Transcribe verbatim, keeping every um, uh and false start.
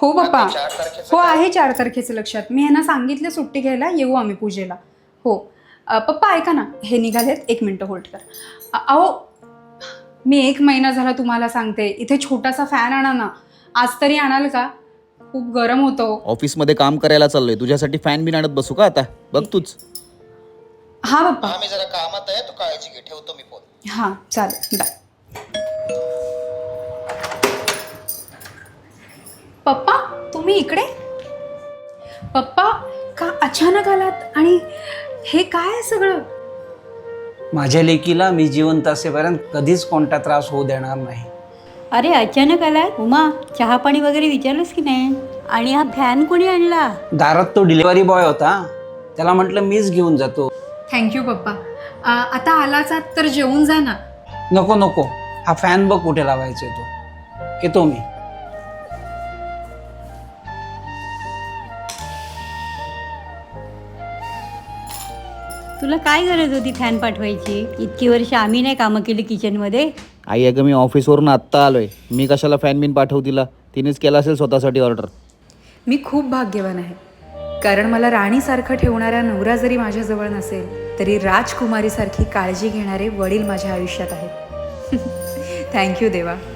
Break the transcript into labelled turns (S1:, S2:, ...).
S1: हो बाप्पा.
S2: चार तारखेचं
S1: हो
S2: काय?
S1: आहे चार तारखेचं लक्षात. मी ह्यांना सांगितले सुट्टी घ्यायला, येऊ आम्ही पूजेला. हो अ, पप्पा ऐका ना, हे निघालेत, एक मिनटं होल्ड कर. अ, अहो मी एक महिना झाला तुम्हाला सांगते, इथे छोटासा फॅन आणा ना. आज तरी आणाल का? खूप गरम होतं.
S3: ऑफिसमध्ये काम करायला चाललोय, तुझ्यासाठी फॅन बिन आणत बसू का आता? बघ तूच.
S1: हा बाप्पा.
S2: हा मी जरा कामात आहे, तू काळजी घे, ठेवतो मी फोन.
S1: हां चालेल, बाय. पप्पा तुम्ही इकडे? पप्पा का अचानक आलात आणि हे काय आहे सगळं?
S4: माझ्या लेकीला मी जिवंत असेपर्यंत कधीच कोणता त्रास होऊ देणार नाही.
S5: अरे अचानक आला उमा, चहा पाणी वगैरे विचारलंस की नाही? आणि हा फॅन कोणी आणला?
S4: दारात तो डिलिव्हरी बॉय होता, त्याला म्हटलं मीच घेऊन जातो.
S1: थँक्यू पप्पा. अ, आता आलाच आहात तर जेवून जा ना.
S4: नको नको, हा फॅन बघ कुठे लावायचा तो. येतो मी.
S5: तुला काय गरज होती फॅन पाठवायची? इतकी वर्ष आम्ही नाही कामं केली किचनमध्ये.
S3: आई अगं मी ऑफिसवरून आत्ता आलोय, मी कशाला फॅन बिन पाठवू तिला? तिनेच केला असेल स्वतःसाठी ऑर्डर.
S1: मी खूप भाग्यवान आहे, कारण मला राणीसारखं ठेवणारा नवरा जरी माझ्याजवळ नसेल तरी राजकुमारीसारखी काळजी घेणारे वडील माझ्या आयुष्यात आहेत. थँक्यू देवा.